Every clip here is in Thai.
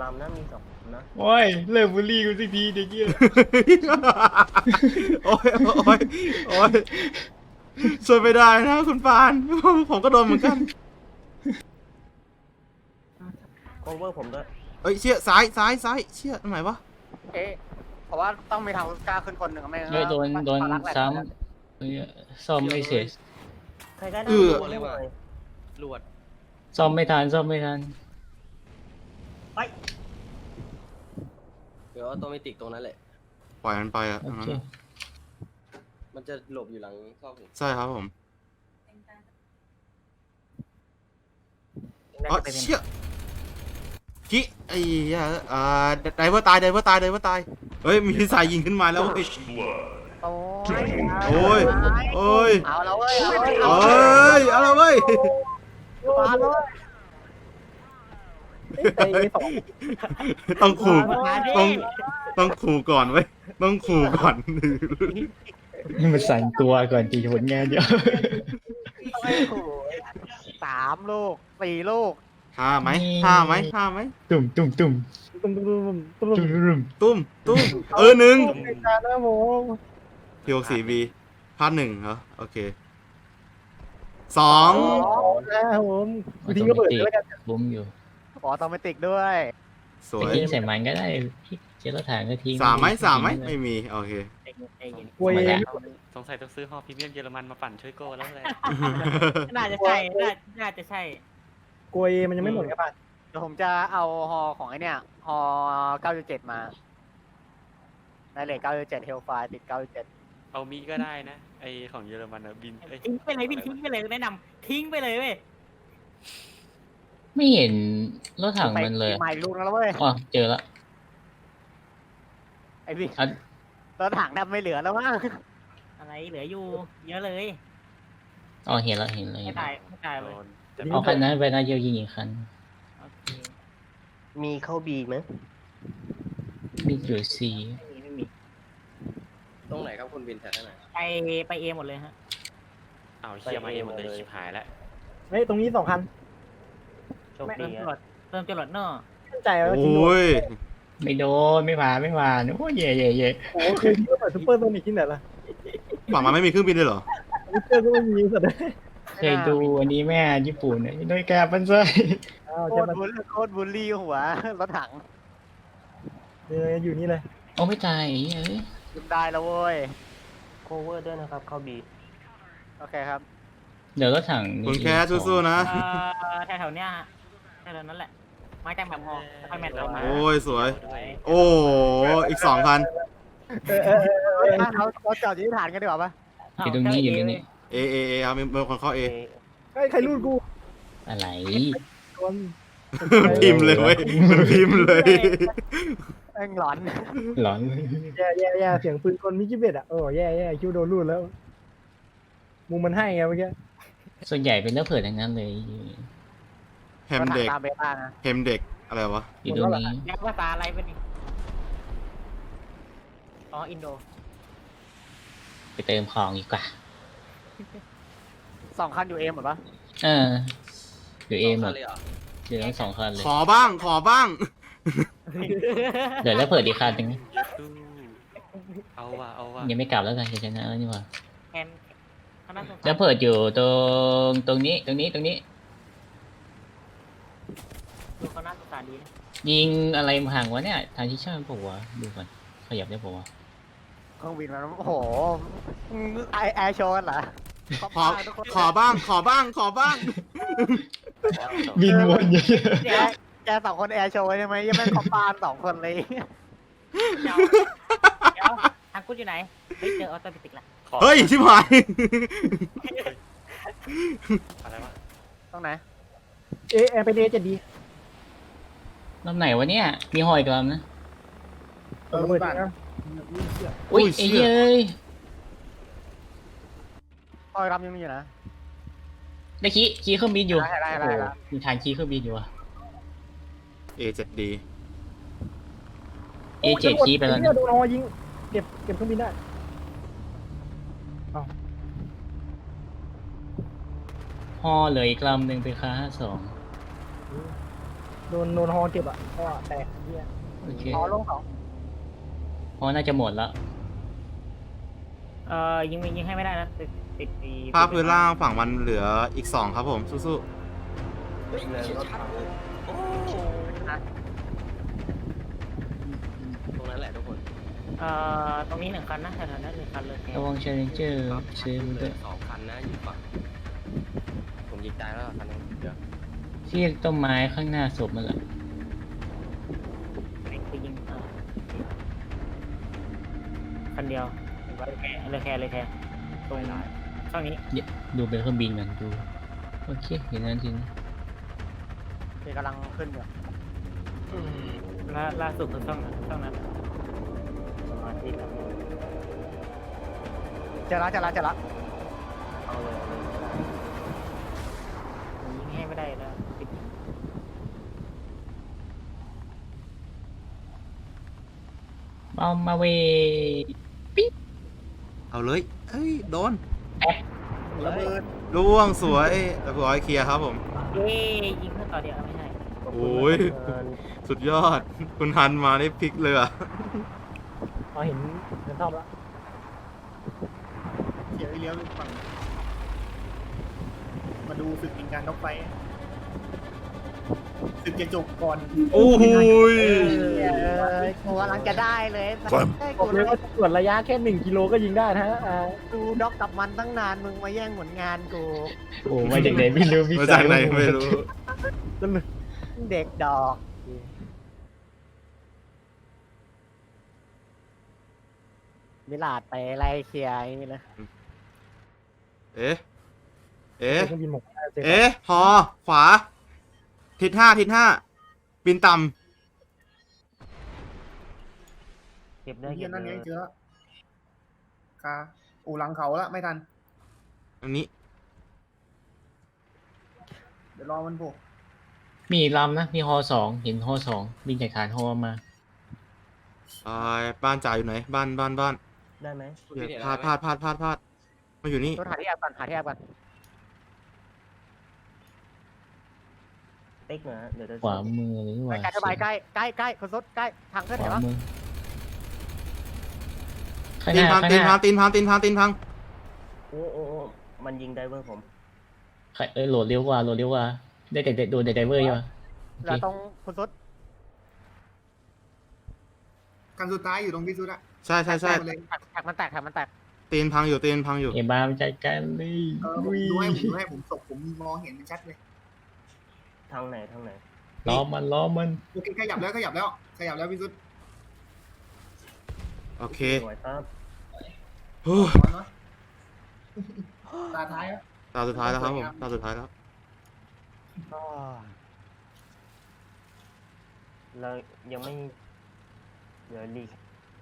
ำนะมี2ลำนะโอ้ยเลิกบูลลี่กูสักทีเด็กเหี้ยโอ้ยโอ้ยโอ้ยช่วยไม่ได้นะคุณปานผมก็โดนเหมือนกัน cover ผมด้วยเอ้ยเชี่ยซ้ายซ้ายซ้ายเชี่ยตรงไหนวะเอ๊ะเพราะว่าต้องมีทางกล้าขึ้นคนหนึ่งไม่งั้นเฮ้ยโดนภาระแหลกซ้ำเฮ้ยซ่อมไม่เสร็จใครก็ได้เลยว่ะลวดซ่อมไม่ทันซ่อมไม่ทันเดี๋ยวออโตเมติกตรงนั้นแหละปล่อยมันไปอ่ะโอตรงนั้เคนอะมันจะหลบอยู่หลังซอกหินใช่ครับผมน่าอ๋อจะเป็นเชี่ยกี้ไอ้เหี้ยไดเวอร์ตายไดเวอร์ตายไดเวอร์ตายเฮ้ยมีสายยิงขึ้นมาแล้วเว้ยโอ้ยโอ้ยโอ้ยเอาแล้วเว้ยเอาเอ้ยเอาละเว้ยมาเลยต้องขู่ต้องขู่ก่อนเว้ยต้องขู่ก่อนนี่มันสั่นตัวก่อนตีผลงานเดียว 3 ลูก 4 ลูกห้าไหมห้าไหมห้าไหมตุ่มตุ่มตุ่มตุ้มตุ้มตุ้มตุ้มตุ่มตุ่มตุ้มหนึ่งการนะผมพีโอสี่บีพาร์ท1เหรอโอเคสองนะผมทิ้งก็เปิดแล้วกันบุ้มอยู่ขอออโตเมติกด้วยสวไปยทิ้งใส่มันก็ได้พี่เจรถถังก็ทิ้งสามไหมไม่มีโอเคกลัวเองสงสัยต้องซื้อฮอพรีเมียมเยอรมันมาปั่นช่วยโก้แล้วแหละน่าจะใช่น่าจะใช่กลัวเองมันยังไม่หมดครับป่ะเดี๋ยวผมจะเอาฮอของไอเนี่ยฮอ9.7 มาได้เลย9.7 เฮลไฟติด 9.7 เอามีก็ได้นะ ไอของเยอรมันอะบินเอ้ยทิ้งไปเลยพี่ทิ้งไปเลยแนะนำทิ้งไปเลยเว้ยไม่เห็นรถถังมันเลยใหม่ลูกแล้วเว้ยอ๋อเจอละไอพี่อ่ะรถถังแทบไม่เหลือแล้วมั้งอะไรเหลืออยู่ เยอะเลยอ๋อเห็นละเห็นเลยไม่ตายไม่ตายเลยโดนแต่เอาคันนั้นไปน่าจะยิงอีกคันโอเคมีเข้าบีไหมมีอยู่สี่ไม่มีตรงไหนครับคุณวินแถวไหนไปเอหมดเลยฮะเอาเชียมาเองหมดเลยชิบหายแล้วเฮ้ยตรงนี้2 คันโชคเริ่ดีมจอะรดเริ่มจรดเนอะมั่นใจว่าโอทิ้งโด้ยไม่โดนไม่ผ่านไม่ผ่านโอ้ยเย่เย่เย่โอ้เคยทิ้งก็เปิดซุปเปอร์โซนิกที่ไหนล่ะฝั่งมันไม่มีเครื่องบินเลยเหรอซุปเปอร์ก็ไม่มีสุดเลยเคยดูอันนี้แม่ญี่ปุ่นเนี่ยโดยแกปันไซอ้าวโคจะตรมาบูลลี่หัวรถถังอยู่นี่เลยโอ้ไม่ตายไอ้เหี้ยเอ้ยยืมได้แล้วเว้ย cover ด้วยนะครับเข้าบีโอเคครับเดี๋ยวรถถังนี่คุณแคสสู้ๆนะแถวๆเนี้ยฮะแถวๆนั้นแหละ มาจากแบบฮอค่อยแมทเรามาโอ้ยสวยด้วยโอ้อีก2 คันเราจอดอยู่ที่ฐานกันดีกว่าปะอยู่ตรงนี้อยู่ตรงนี้เอครับมีคนเข้า A ใครรูดกูอะไรคนมันพิมพ์เลยเว้ยมันพิมพ์เลยแม่งหลอนหลอนแย่เสียงปืนคนมิจิเบตอ่ะโอ้แย่คิวโดนรูดแล้วมุมมันให้ไงเมื่อกี้ส่วนใหญ่เป็นเรื่องเผิดทั้งนั้นเลยแฮมเด็กตามเบต้านะแฮมเด็กอะไรวะอยู่ตรงนี้ยักษ์ภาษาอะไรเป็นอ๋ออินโดไปเติมของดีกว่า 2 คันอยู่เอหมดปะเอออยู่เอหมดเลยเหรอเหลือทั้งสองคันเลยขอบ้างขอบ้างเดี๋ยวแล้วเผิดอีกคันหนึงตู้เอาว่ะเอาว่ะยังไม่กลับแล้วกันจะชนะแล้วนี่หว่าแอนคณะสงฆ์แล้วเผิดอยู่ตรงนี้ดูเขาน่าสงสารดีนะยิงอะไรมาห่างวะเนี่ยทางที่ชอบผมวะดูก่อนขยับได้ผมวะเครื่องบินมันโอ้โหแอร์โชว์กันเหรอขอบ้างขอบ้างขอบ้างบินวนเยอะแก2 คนแอร์โชว์ใช่ไหมยังไม่คอมปาน2 คนเลยเดี๋ยวทางกูอยู่ไหน เฮ้ยเจอออโตเมติกละขอเฮ้ยชิบหายอะไรวะตรงไหนแอร์ไปเดจะดีลำไหนวะเนี่ยมีหอยกลำนะระเบิดนะอุ้ยไอ้เหี้ยเอ้ยคอยรำยังมีอยู่นะได้ขี่เครื่องบินอยู่ได้โอ้โหมีทางขี่เครื่องบินอยู่อะ A7D A7 ขี่ไปแล้วเนี่ยนะโดนฮอยิงเก็บเครื่องบินได้ฮอเหลืออีกลำหนึ่งเป็นคา52 โดนฮอเก็บอ่ะก็แตกเหี้ยโอเคฮอลงสองพอน่าจะหมดแล้วยิงให้ไม่ได้นะติดไอ้ภาพพื้นล่างฝั่งมันเหลืออีก2ครับผมสู้เฮ้ยเชี่ยชัดเลยโอ้ตรงนั้นแหละทุกคนตรงนี้1 คันนะแถวๆนั้น1 คันเลยระวังเชลเลนเจอร์ครับซื้อมันเหลืด้วอย 2 คันนะอยู่ฝั่งผมยิงตายแล้วคันนึงเดี๋ยวที่ต้นไม้ข้างหน้าศพมันแหละไปยิงคันเดียวเลยแค่ตรงช่องนี้ดูเป็นเครื่องบินกันดูโอเคเห็นนั้นจริงที่กำลังขึ้นอยู่ล่าสุดคือช่องนั้นสมาธิครับเจอละเอาเลยผมยิงให้ไม่ได้แล้วติดเอามาเวๆเอาเลยเอ้ยโดนระเบิดล่วงสวยเรียบร้อยเคลียร์ครับผมเย้ยิงเพื่อต่อเดียวไม่ใช่ขบคุณโอ้ยมากครับสุดยอด คุณฮันมาได้พลิกเลยอะเอาเห็นชอบละเสียเลี้ยวไปฝั่งมาดูศึกยิงการนกไฟศึกจะจบก่อนโอ้โหยกูกำลังจะได้เลยบอกเลยว่าตรวจระยะแค่1 กิโลก็ยิงได้นะฮะกูด็อกกับมันตั้งนานมึงมาแย่งผลงานกูโอ้มาจากไหนไม่รู้พี่มาจากไหนไม่รู้เด็กดอกมิลาดไปไล่เคลียร์ไอ้นี่เลยเอ๊ะ เอ๊ะเครื่องบินหมกเจ็บเอ๊ะฮอขวา ทิศ5บินต่เก็บได้เฮีเก็ยบนั่นเลไงยเจอละคาอูหลังเขาละไม่ทันำอันนี้เดี๋ยวรอมันโผล่มีลำนะมีฮอ2เห็นฮอ2บินจากฐานฮอมาบ้านจ่าอยู่ไหน บ้านได้ไหมคุณเดี๋ยวพี่เห็นพลาดอะไรไหมมาอยู่นี่ตัวหาที่แอบก่อนติ๊กนะเดี๋ยวจะขวามือหรือว่าใกล้สบายใกล้คนสดใกล้ทางขึ้นขเห็นวาปะมือข้างหตีนน้าพังข้างตีหนน้าพังตีนพังตีนพังตีนพังโอ้มันยิงไดเวอร์ผมโหลดเร็วกว่าได้แต่โดนแต่ไดเวอร์ใช่ปะแล้วตรงคนสดกันสุดท้ายอยู่ตรงพิสุทธิ์อะใช่แตกเลยแท็กมันแตกตีนพังอยู่เอ็มบามันใจกันเลยผมดูให้ผมตกผมมองเห็นมันชัดเลยทางไหนล้อมันโอเคขยับแล้วพิสุทธิ์โอเคสวยครับโอ้ยเนาะตาท้ายแล้วตาสุดท้ายแล้วครับผมตาสุดท้ายแล้วเรายังไม่เดี๋ยวรี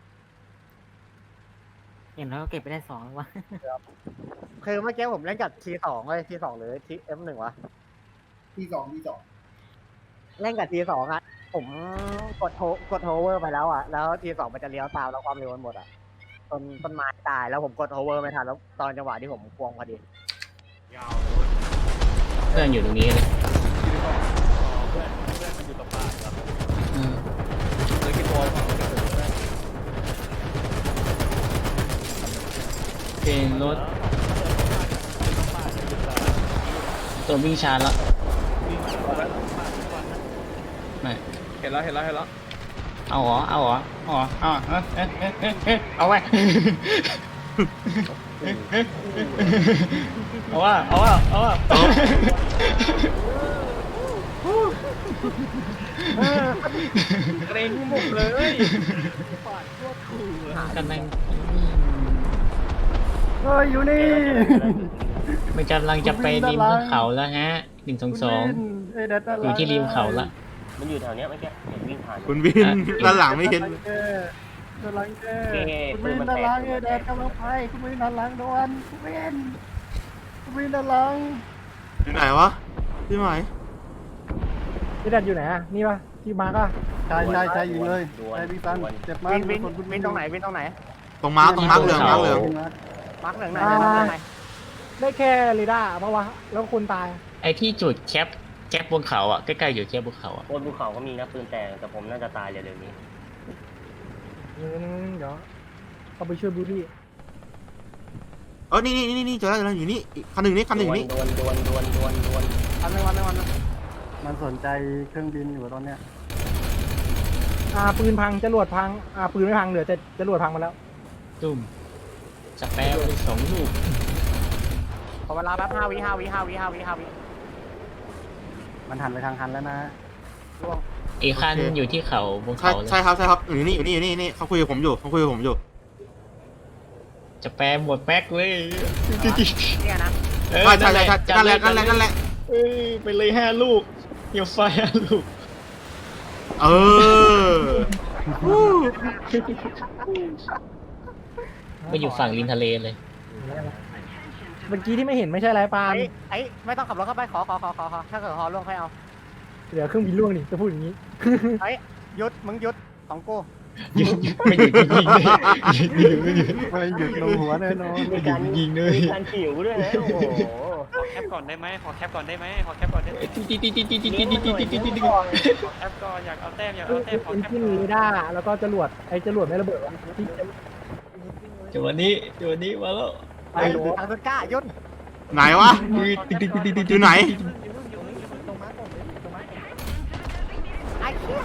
เห็นแล้วเก็บไปได้2แล้ววะคือเมื่อกี้ผมเล่นกับ T2 เลย T2 หรือ TF1 วะที่สองเล่นกับ T2 อ่ะผมกดโฮเวอร์ไปแล้วอ่ะแล้ว T2 มันจะเลี้ยวตามแล้วความเร็วมันหมดอ่ะต้นไม้ตายแล้วผมกดโฮเวอร์ไม่ทันแล้วตอนจังหวะที่ผมควงพอดีเพื่อนอยู่ตรงนี้เลยอืมเป็นรถตัววิ่งชาร์จแล้วไม่เห็นแล้วเอาเหรอเอาไว้ เอาว่าเกรงหมดเลยกำลังเฮ้ยอยู่นี่มันกำลังจะไปริมเขาแล้วฮะ122อยู่ที่ริมเขาละมันอยู่แถวเนี้ยเมื่อกี้เห็นวิ่งผ่านคุณวิน ด้านหลังไม่เห็นด้านหลังแกโอเคคุณปืวินนมันด้านแตหลักงแดดกำลังไปคุณวินด้านหลังโดนคุณวินด้านหลังอยู่ไหนวะ พี่หมายพี่แดดอยู่ไหนอ่ะนี่ปะที่มาร์กอ่ะใช่ยิงเลยใช่พี่ซันเจ็บวินตรงไหนตรงมาร์คเหลืองมาร์กเหลืองไหนมาร์กเหลืองไหนได้แค่เรดาร์ปะวะแล้วคนตายไอที่จุดแคปแจ็คบนเขาอ่ะใกล้ๆอยู่แจ็คบนเขาอ่ะบนภูเขาก็มีนะปืนแต่ผมน่าจะตายเร็วๆนี้เดี๋ยวเอาไปช่วยบูดี้นี่เจอแล้วอยู่นี่อีกคันหนึ่งนี่คันหนึ่งอยู่นี่ดวนวันนึงมันสนใจเครื่องบินอยู่ตอนเนี้ยปืนพังจรวดพังปืนไม่พังเหลือแต่จรวดพังมาแล้วตุ้มสแปร์ไป2 ลูกขอเวลาแป๊บ5 วิมันหันไปทางฮันแล้วนะอีกคันอยู่ที่เขาบนใช่เขาเลยใช่ครับอยู่นี่เขาคุยกับผมอยู่สแปร์หมดแม็กเลยเนี่ยนะใช่นั่นแหละเอ้ยไปเลย5 ลูกเหี่ยวไฟ5 ลูกเออไปอยู่ฝั่งริมทะเลเลยเมื่อกี้ที่ไม่เห็นไม่ใช่ไรปาล์มไอ้ไม่ต้องขับรถเข้าไปขอถ้าเกิดฮอล่วงค่อยเอาเหลือเครื่องบินล่วงนี่จะพูดอย่างนี้หยุดมึงหยุดของกูไม่หยุดยิงเลยไม่หยุดลงหัวแน่นอนมีการยิงเลยมีการขิวด้วยนะโอ้โหขอแคปก่อนได้ไหมขอแคปก่อนได้ไหมขอแคปก่อนได้ไหมตีขอแคปก่อนอยากเอาแต้มขอเอ็แคปนจินเรดาร์แล้วก็จรวดจรวดไม่ระเบิดที่จังหวะนี้มาแล้วไปทางต้นกล้าหยุดไหนวะอยู่ไหนไอ้เหี้ย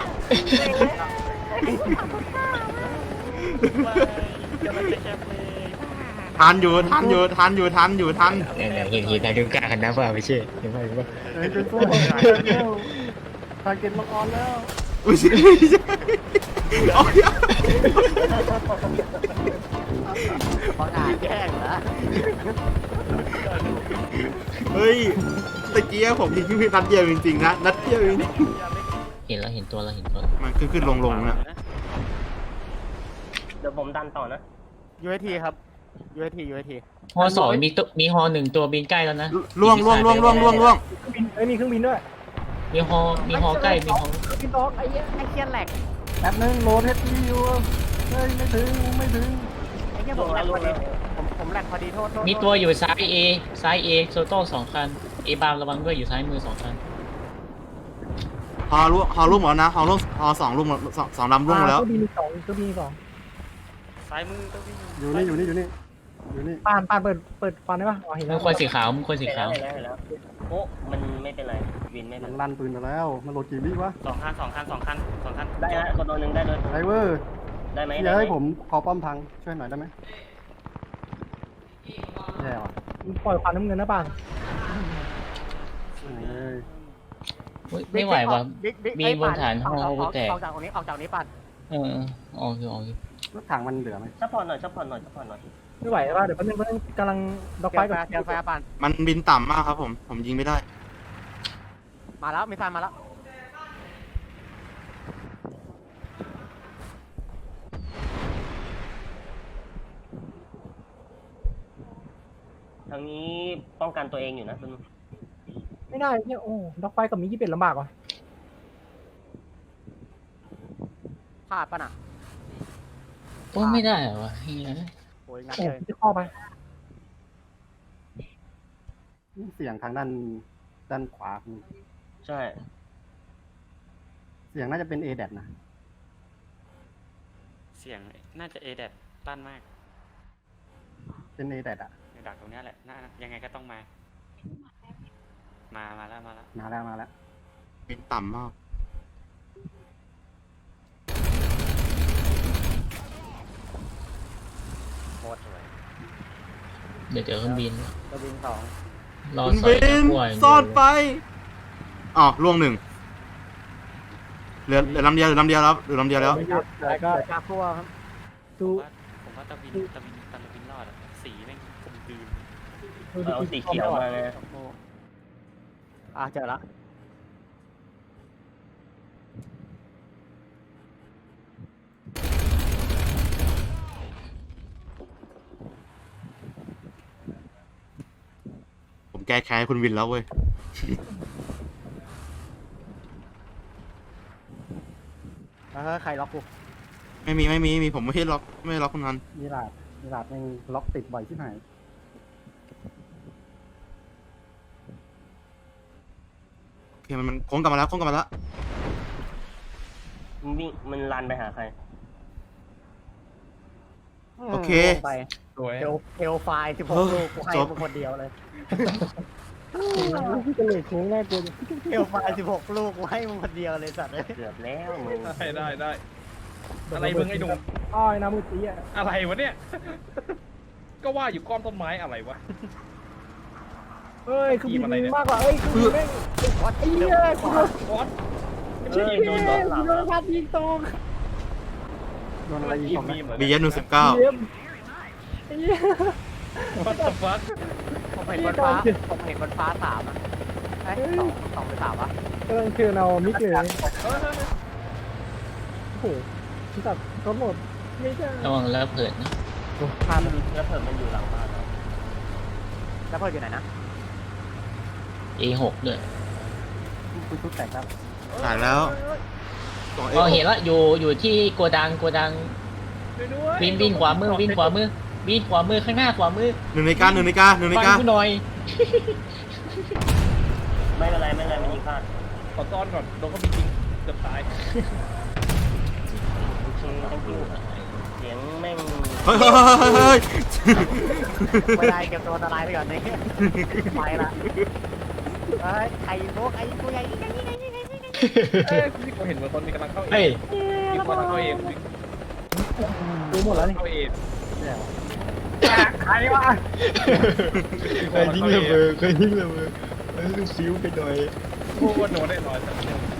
จะมันจะแคปเลยทันอยู่เนี่ยเห็นทางดูกล้ากันนะป่ะไม่ใช่เห็นป่ะเฮ้ยเป็นพวกทาร์เก็ตล็อกออนแล้วอุ้ยโอ้ยบังอาจแกล้งเหรอเฮ้ยตะกี้ผมยิงพี่นัดเดียวจริงๆนะนัดเดียวจริงเห็นตัวแล้วมันขึ้นลงนะเดี๋ยวผมดันต่อนะ UAT ครับ UAT ฮอ2มีฮอ1ตัวบินใกล้แล้วนะล่วงมีเครื่องบินด้วยมีฮอใกล้มีฮอบินตอกไอ้เหี้ยแหลกแป๊บนึงโหลดเฮดดีอยู่เฮ้ยไม่ถึงไอ้เหี้ยผมแหลกพอดีผมแหลกพอดีโทษมีตัวอยู่ซ้าย A โซโต้2 คัน A บามระวังด้วยอยู่ซ้ายมือ2 คันฮอล่วงหมดแล้วนะฮอ2ล่วง2ลำล่วงแล้วเครื่องบินมีสองซ้ายมือต้องวิ่งอยู่นี่ปานเปิดฟันได้ปะเห็นมึแล้วงคนสีขาวเห็นแล้วโอ้มันไม่เป็นไรวินไม่เป็มัน นไรลั่นปืนไปแล้วมันโหลดกี่วิวะ 2 คันได้นะคนตัวหนึ่งได้ด้วยไดเวอร์ได้ไหมเดี๋ยวให้ผมขอป้อมพังช่วยหน่อยได้ไหมแย่ว่ะปล่อยควันน้ำเงินนะปานเอ้ยไม่ไหวว่ะ มีบนฐานฮอแตกออกจากนี้ปั่นออกอยู่รถถังมันเหลือไหมซัพพอร์ตหน่อยไม่ไหวป่ะเดี๋ยวแป๊บนึงกำลังดอกไฟกับเจอไฟปั่นมันบินต่ำมากครับผมยิงไม่ได้มาแล้วมีไฟมาแล้วทางนี้ป้องกันตัวเองอยู่นะคุณไม่ได้เนี่ยโอ้ดอกไฟกับมีกี่เป็ดลำบากว่ะพลาดป่ะน่ะโอ้ไม่ได้เหรอวะเฮียโอ้ยงัดโอ้เลยจะเข้าไปเสียงทางด้านขวาคุณใช่เสียงน่าจะเป็น A แดดนะเสียงน่าจะ A แดดตั้นมากเป็น A แดดอะดักตรงนี้แหละยังไงก็ต้องมาแล้วมาแล้วบินต่ำมากโคตรสวยเดี๋ยวเจอเครื่องบินตัวบิน2 รอคุณสอยบิตะนกั่วซ่อนไปอ๋อล่วง1เหลือลำเดียวแล้วแล้วก็จากพวกครับดูผมว่าตะวินรอดอะสีแม่งกลมกลืนเอาสีเขียวมานะเจอละผมแก้แค้นให้คุณวินแล้วเว้ยใครล็อกกูไม่มีผมไม่ล็อกคุณนันมีหลาดยังล็อกติดบ่อยที่ไหนผเคมันโค้งกลับมาแล้วโค้งกลับมาแล้วมันวิ่งมันรันไปหาใครโอเคลงไปสวยเทลไฟล์16 ลูกกูให้มึงคนเดียวเลยพี่จะเลยโค้งแรกกูเทลไฟล์16 ลูกกูให้มึงคนเดียวเลยสัตว์เลยเกือบแล้วมึงได้อะไรมึงไอ้หนุ่มอ้อยน้ำมือตีอ่ะอะไรวะเนี่ย ก็ว่าอยู่ก้อนต้นไม้อะไรวะเอ้ยคือบินมากกว่าเอ้ยคือแม่งวัดไอ้เหี้ยกูโดนวอตโดนพัดยิงตรงโดนอะไรยิงยิตงรงมีเหมือนบีเอส19 เยี่ยมไอ้เหี้ยวัตถุฟัคผมเห็นบนฟ้า3อ่ะเอ้ยสองหรือ3วะกำลังเชิญเอามิกเลยโอ้โหที่ตัดรถหมดไม่ใช่ระวังแล้วเผิดนะแล้วเพิ่มมันอยู่หลังบ้านเราแล้วเพื่อนอยู่ไหนนะ A6 ด้วยกูชุดแต่งครับถ่ายแล้วสองอ๋อเห็นแล้วอยู่ที่โกดังวิ่งขวามือวิ่งขวามือข้างหน้าขวามือ 1 นาฬิกาฟังกูหน่อยไม่เป็นไรมันยิงพลาดขอต้อนก่อนโดนเขามีจริงเกือบตายโอเค thank you เสียงแม่งเฮ้ยไม่ได้เก็บตัวอันตรายไปก่อนนี่ไปละเฮ้ยไอ้พวกไอ้ตัวใหญ่นี่เอ้ยที่ผมเห็นเหมือนคนมีกำลังเข้าเอเฮ้ยมีคนกำลังเข้าเอดูหมดแล้วนี่เข้าเอใครวะเคยทิ้งระเบิดเคยทิ้งระเบิดฟิวไปหน่อยพูดว่าโดนได้ร้อย